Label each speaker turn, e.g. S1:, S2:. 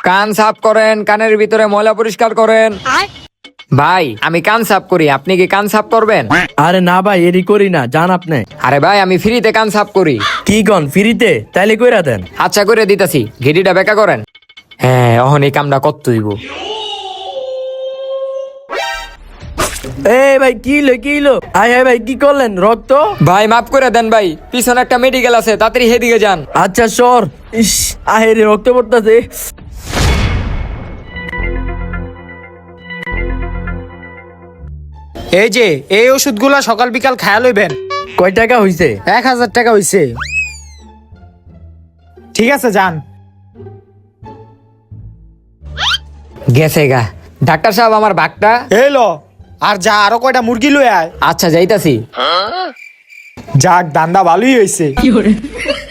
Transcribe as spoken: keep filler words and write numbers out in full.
S1: কান সাফ করেন, কানের ভিতরে ময়লা পরিষ্কার করেন। ভাই আমি কান সাফ করি, আপনি কি কান সাফ করবেন?
S2: আরে না ভাই, এরি করি না, জান আপনি।
S1: আরে ভাই আমি ফ্রিতে কান সাফ করি।
S2: কি কন ফ্রিতে? তাইলে কইরা দেন।
S1: আচ্ছা করে দিতাছি, ঘেটিটা বেকা করেন। হ্যাঁ অহন এই কামটা কত হইব।
S2: এ ভাই কি লো কি লো আয় আয় ভাই কি করলেন? রক্ত?
S1: ভাই মাফ করে দেন ভাই, পিছনে একটা মেডিকেল আছে, তাড়াতাড়ি হেদিকে যান।
S2: আচ্ছা সর। ইস আহে রে, রক্ত পড়তাছে।
S3: এই যে এই ওষুধগুলা সকাল বিকাল খায়া লইবেন।
S2: কয় টাকা হইছে?
S3: এক হাজার টাকা হইছে। ঠিক আছে যান।
S1: গেছে গা। ডাক্তার সাহেব আমার বাঘটা।
S3: এই লো, আর যা আরো কয়টা মুরগি লই আয়।
S1: আচ্ছা যাইতাছি।
S3: যাক, দান্দা ভালোই হইছে।